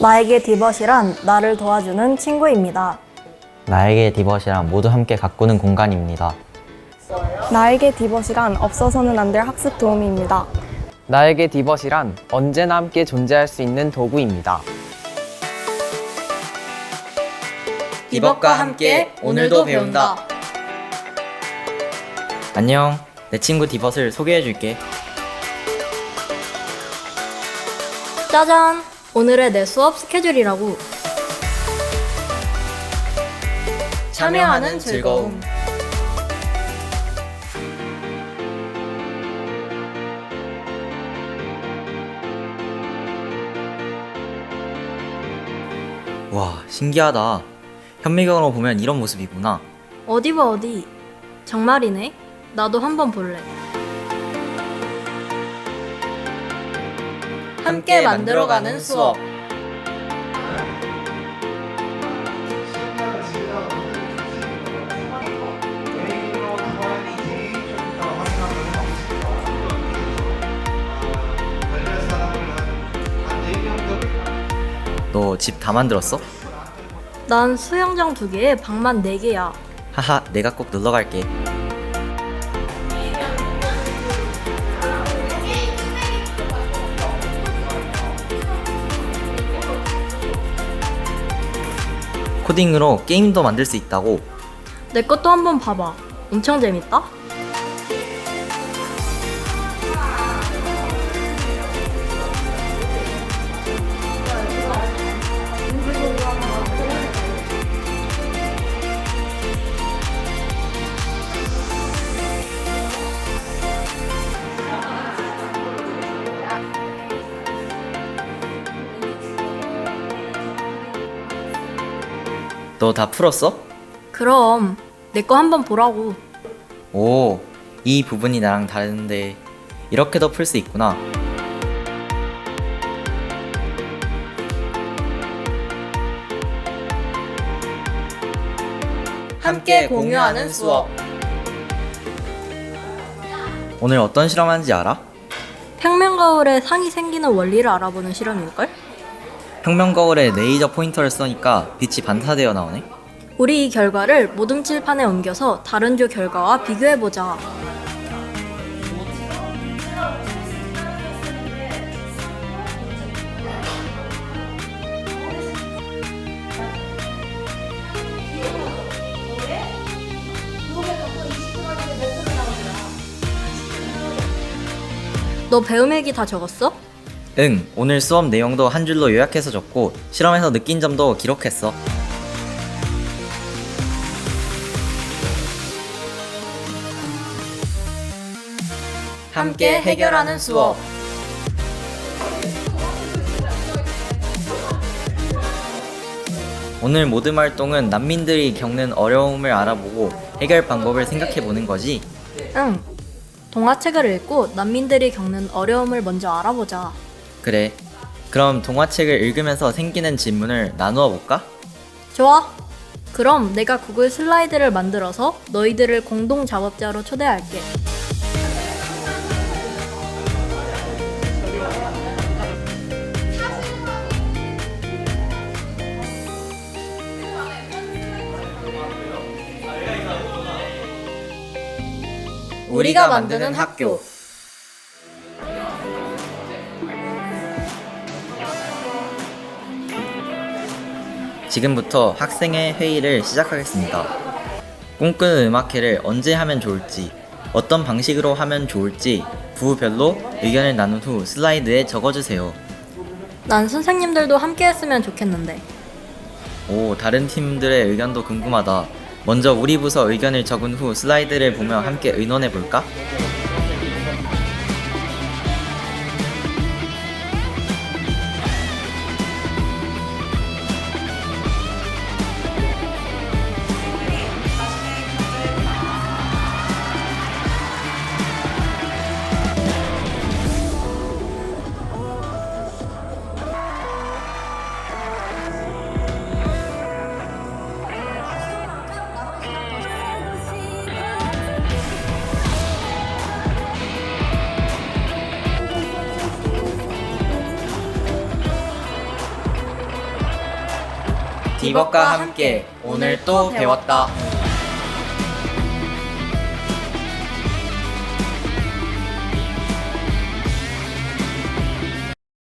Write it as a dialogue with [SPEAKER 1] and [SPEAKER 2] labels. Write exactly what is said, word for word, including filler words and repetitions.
[SPEAKER 1] 나에게 디벗이란 나를 도와주는 친구입니다.
[SPEAKER 2] 나에게 디벗이란 모두 함께 가꾸는 공간입니다.
[SPEAKER 3] 나에게 디벗이란 없어서는 안 될 학습 도우미입니다.
[SPEAKER 4] 나에게 디벗이란 언제나 함께 존재할 수 있는 도구입니다.
[SPEAKER 5] 디벗과 함께 오늘도 배운다. 안녕, 내 친구 디벗을 소개해줄게.
[SPEAKER 6] 짜잔! 오늘의 내 수업 스케줄이라고.
[SPEAKER 5] 참여하는 즐거움. 와, 신기하다. 현미경으로 보면 이런 모습이구나.
[SPEAKER 6] 어디 봐 어디. 정말이네. 나도 한번 볼래.
[SPEAKER 5] 함께 만들어가는 수업. 너 집 다 만들었어?
[SPEAKER 6] 난 수영장 두 개에 방만 네 개야.
[SPEAKER 5] 하하, 내가 꼭 놀러 갈게. 코딩으로 게임도 만들 수 있다고.
[SPEAKER 6] 내 것도 한번 봐봐. 엄청 재밌다.
[SPEAKER 5] 너 다 풀었어?
[SPEAKER 6] 그럼 내 거 한번 보라고.
[SPEAKER 5] 오, 이 부분이 나랑 다른데 이렇게도 풀 수 있구나. 함께 공유하는 수업. 오늘 어떤 실험하는지 알아?
[SPEAKER 6] 평면 거울에 상이 생기는 원리를 알아보는 실험일걸?
[SPEAKER 5] 평면 거울에 레이저 포인터를 쏘니까 빛이 반사되어 나오네.
[SPEAKER 6] 우리 이 결과를 모둠 칠판에 옮겨서 다른 조 결과와 비교해보자. 너 배움 일기 다 적었어?
[SPEAKER 5] 응, 오늘 수업 내용도 한 줄로 요약해서 적고 실험에서 느낀 점도 기록했어. 함께 해결하는 수업. 오늘 모든 활동은 난민들이 겪는 어려움을 알아보고 해결 방법을 생각해 보는 거지.
[SPEAKER 6] 응. 동화책을 읽고 난민들이 겪는 어려움을 먼저 알아보자.
[SPEAKER 5] 그래. 그럼 동화책을 읽으면서 생기는 질문을 나누어 볼까?
[SPEAKER 6] 좋아. 그럼 내가 구글 슬라이드를 만들어서 너희들을 공동 작업자로 초대할게.
[SPEAKER 5] 우리가 만드는 학교. 지금부터 학생의 회의를 시작하겠습니다. 꿈꾸는 음악회를 언제 하면 좋을지, 어떤 방식으로 하면 좋을지 부별로 의견을 나눈 후 슬라이드에 적어주세요.
[SPEAKER 6] 난 선생님들도 함께 했으면 좋겠는데.
[SPEAKER 5] 오, 다른 팀들의 의견도 궁금하다. 먼저 우리 부서 의견을 적은 후 슬라이드를 보며 함께 의논해 볼까? 디벅과 함께 오늘 또 배웠다.